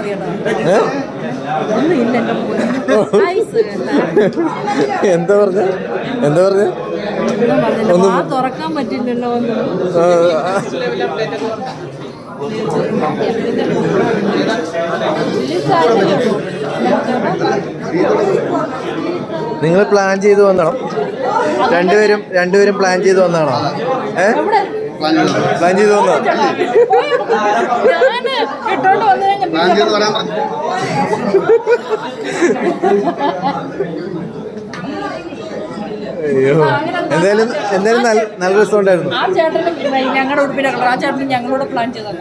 എന്താ പറഞ്ഞ ഒന്നും തുറക്കാൻ പറ്റില്ലല്ലോ. നിങ്ങൾ പ്ലാൻ ചെയ്ത് വന്നോ? രണ്ടുപേരും പ്ലാൻ ചെയ്ത് വന്നാണോ? പ്ലാൻ ചെയ്ത് വന്നോ? അയ്യോ, എന്തായാലും നല്ല രസം ഉണ്ടായിരുന്നു. ഞങ്ങളുടെ ഉടുപ്പിന്റെ കളർ ആ ചേട്ടന് ഞങ്ങളോട് പ്ലാൻ ചെയ്തതാണ്.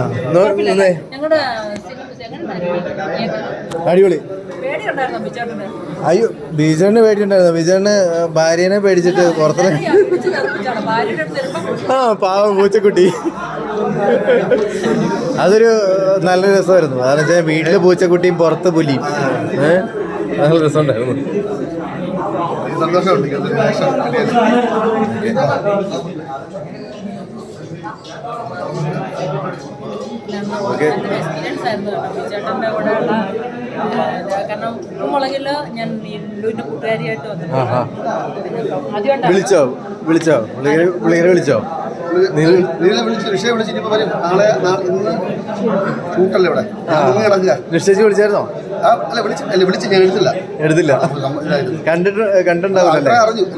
അടിപൊളി. അയ്യോ, ബീജേണിന് പേടിയുണ്ടായിരുന്നു. ബീജേണിന് ഭാര്യനെ പേടിച്ചിട്ട് പുറത്തിറങ്ങി. പാവം പൂച്ചക്കുട്ടി. അതൊരു നല്ല രസമായിരുന്നു. കാരണം വെച്ചാൽ വീട്ടില് പൂച്ചക്കുട്ടിയും പുറത്ത് പുലിയും. നല്ല രസമുണ്ടായിരുന്നു. സന്തോഷമുണ്ട്. എക്സ്പീരിയൻസ് ആയിരുന്നു ചേട്ടൻ്റെ കൂടെ ഉള്ള. കാരണം മുളകില് ഞാൻ ലുവിൻ്റെ കൂട്ടുകാരിയായിട്ട് വന്നു. വിളിച്ചോ പുള്ളിയെ വിളിച്ചോ? നിശ്ചയിച്ച് വിളിച്ചായിരുന്നോ? എടുത്തില്ല. കണ്ടിട്ടുണ്ടാവില്ല.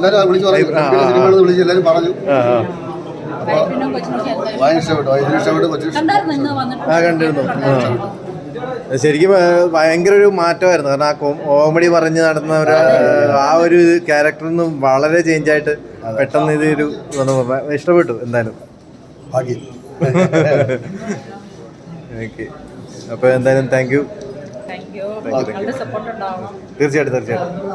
കണ്ടിരുന്നു. ശരിക്കും ഭയങ്കര ഒരു മാറ്റമായിരുന്നു. കാരണം ആ കോമഡി പറഞ്ഞ് നടന്ന ആ ഒരു ക്യാരക്ടറിൽ നിന്നും വളരെ ചേഞ്ചായിട്ട് പെട്ടെന്ന് ഇതൊരു ഇഷ്ടപ്പെട്ടു. എന്തായാലും ഓക്കെ. അപ്പോൾ എന്തായാലും താങ്ക് യു. തീർച്ചയായിട്ടും.